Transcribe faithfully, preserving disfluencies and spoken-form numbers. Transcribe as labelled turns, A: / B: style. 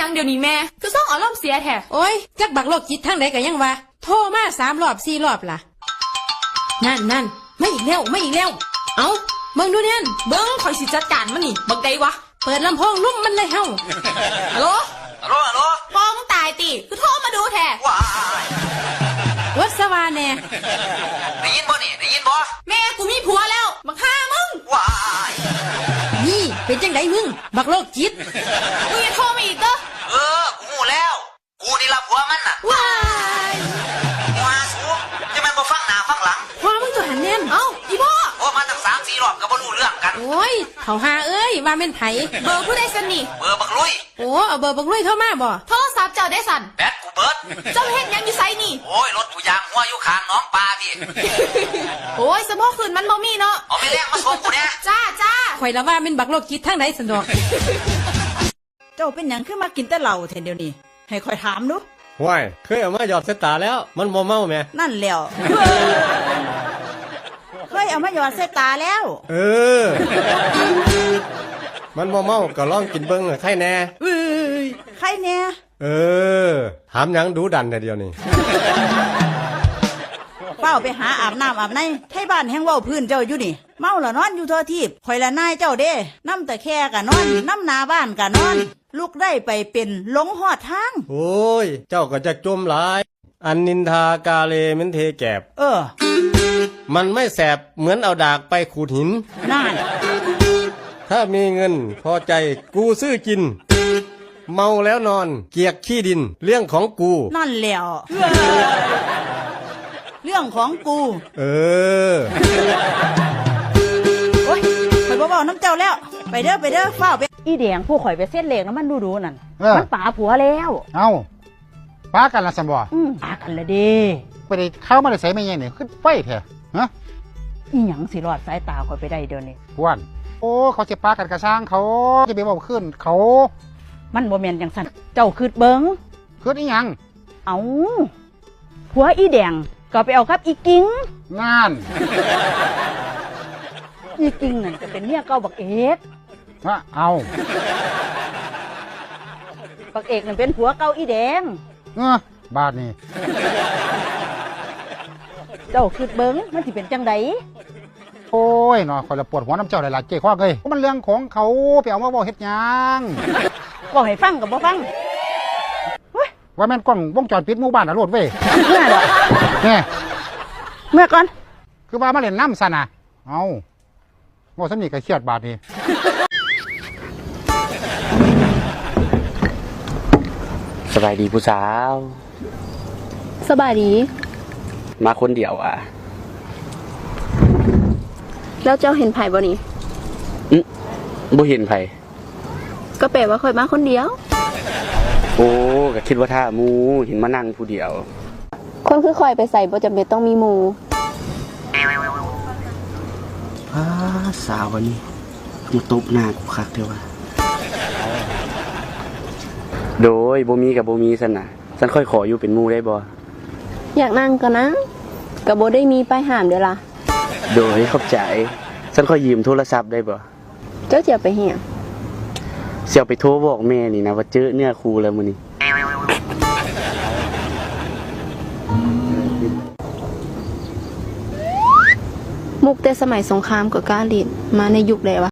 A: ยังเดี๋ยวนี้แม่คือส่องอารมณ์เสียแท้
B: โอ้ยจักบักโลกจิตทั้งไหนก็ยังว่าโทรมาสามรอบสี่รอบล่ะนั่นนั่นไม่อีกแล้วไม่อีกแล้วเอาเบิ่งดูเนี่ย
A: เบิ้งคอยสิจัดการมันนี่บักใดวะ
B: เปิดลำโพงลุ่มมันเลยเฮา
A: ฮัลโหล
C: ฮัลโหลฮัลโหล
A: พ่อมึงตายติคือโทรมาดูแท้
C: ว้าย
B: วัสวาแน่
C: ได้ยินบ่นี่ได้ยินบ่
A: แม่กูมีผัวแล้วบักฆ่ามึง
C: ว้าย
B: นี่เป็นจังไดมึงบักโลกจิต
A: มึงอย่าโทรมาอีกเด้อ
C: เออกูหูแล้วกูนี่ละผัวมันน่ะ
A: ว้าย
C: ว้าสูจะมันบ่ฟังหน้าฟังหลัง
B: พ่อมึงตัวหันแน่น
A: เอ้าอีพ่อ
C: โอ้มาตั้งสามสี่รอบก็บ่รู้เรื่องกัน
B: โอ้ยเขาหาเอ้ยว่าเป็นไผ
A: เบอร์ผู้ใดสันนี่
C: เบอร์บักลุย
B: โอ้เอาเบอร์บักลุยเข้ามาบ่
A: โทรศัพท์เจ้าได้สัน
C: แบตกูเบิด
A: เจ้าเฮ็ดยังอยู่ไสนี่
C: โอ้ยรถกูยางหัวอยู่ข้างน้องปลาพี่
A: โอ้ยสมองคืนมันบ่มีเนาะ
C: เอาไปแลกมาส่งกูเนี่ย
A: จ้าจ้า
B: ข่อยละว่าเป็นบักโลกจิตทั้งไหนสันดอก
D: เจ้าเป็นหยังขึ้นมากินแต่เหล้าแทนเดียวนี้ให้คอยถามดู
E: ว้ายเคยเอามาหยอดเสตาแล้วมันบ่เมาแม่
D: นั่นแล้วเคยเอามาหยอดใส่ตาแล้ว
E: เออมันบ่เมาก็ลองกินเบิ่งใครแน่
D: เอ้ยใครแน่
E: เออถามหยังดูดันแต่เดียวนี่
D: เป้าไปหาอาบน้ำอาบในไทบ้านแห่งเว้าพื้นเจ้าอยู่นี่เมาละนอนอยู่ทั่วทีบข่อยละนายเจ้าเด้น้ำตะแคกะนอนน้ำนาบ้านกะนอนลูกได้ไปเป็นหลงหอดทาง
E: โอ้ยเจ้าก็จะจมหลายอันนินทากาเลมันเทแกบ
D: เออ
E: มันไม่แสบเหมือนเอาดากไปขูดหิน
D: นั่น
E: ถ้ามีเงินพอใจกูซื้อกินเมาแล้วนอนเกียกขี้ดินเรื่องของกู
D: นั่นแล้วเรื่องของกู
E: เออ
D: โอ้ยข่อยบ่บอกน้ำเจ้าแล้วไปเด้อไปเด้อเฝ้าไปอีแดงผู้ข่อยไปเส้นเหล็กแล้วมันดูดูนั่นมันป่าผัวแล้ว
F: เอ้าป้ากันละสมบ่
D: อืมป่ากันละดิ
F: ไปได้เข้ามาได้ใส่ไม่ยังนี่ขึ้นไฟแท้ฮะ
D: อีหยังสิรอดสายตาข่อยไปได้เดี๋ยวนี้
F: พวนโอ้เขาจะป้ากันกระช่างเขาจะไปบอกขึ้นเขา
D: มันบ่แม่นจังซั่นเจ้าคืดเบิ่ง
F: คืดอีหยัง
D: เอ้าผัวอีแดงก็ไปเอากับอีกิ้ง
F: นั่น
D: อีกิ้งนั่นก็เป็นเมียเก่าบักเอก
F: ว่าเอา
D: บักเอกนั่นเป็นผัวเก่าอีแดง
F: เออบาดนี่
D: เจ้าคืดเบิ่งมันสิเป็นจังได
F: โอ้ยเนาะคอยละปวดหัวน้ำเจ้าหลายๆเจ้ข้อเลยมันเรื่องของเขาไปเอามาบอกเฮ็ดหยัง
D: บอกให้ฟังกับบ่ฟัง
F: ว่าแม่นกล้องวงจรปิดหมู่บ้านอะโลดเว้ย
D: เมื่อดอก
F: แน่
D: เมื่อก่อน
F: คือว่ามาเล่นน้ำซะนะเอาโง่สำนีก็เครียดบาดนี้
G: สบายดีผู้สาว
A: สบายดี
G: มาคนเดียวอ่ะ
A: แล้วเจ้าเห็นไผ่บ่นี่
G: อืมบ่เห็นไผ่
A: ก็แปลว่าค่อยมาคนเดียว
G: โอ้ก็คิดว่าถ้ามูเห็นมานั่งผู้เดียว
A: คนคือค่อยไปใส่บ่จำเป็นต้องมีหมู่
G: อ้าสาววันนี้มาตบหน้ากูคักเด้อว่าโดยบ่มีกับบ่มีซั่นน่ะฉันค่อยขออยู่เป็นหมู่ได้บ่
A: อยากนั่งก็นั่งก็บ่ได้มีป้ายห้ามเด้อล่ะ
G: โดยเข้าใจฉันขอยืมโทรศัพท์ได้บ่
A: เจ้าจะไปเหี่ย
G: เสี่ยวไปโทรบอกแม่นี่นะว่าเจอเนื้อคู่แล้วมื้อนี้
A: มุกแต่สมัยสงครามกับกาลิดมาในยุคใดวะ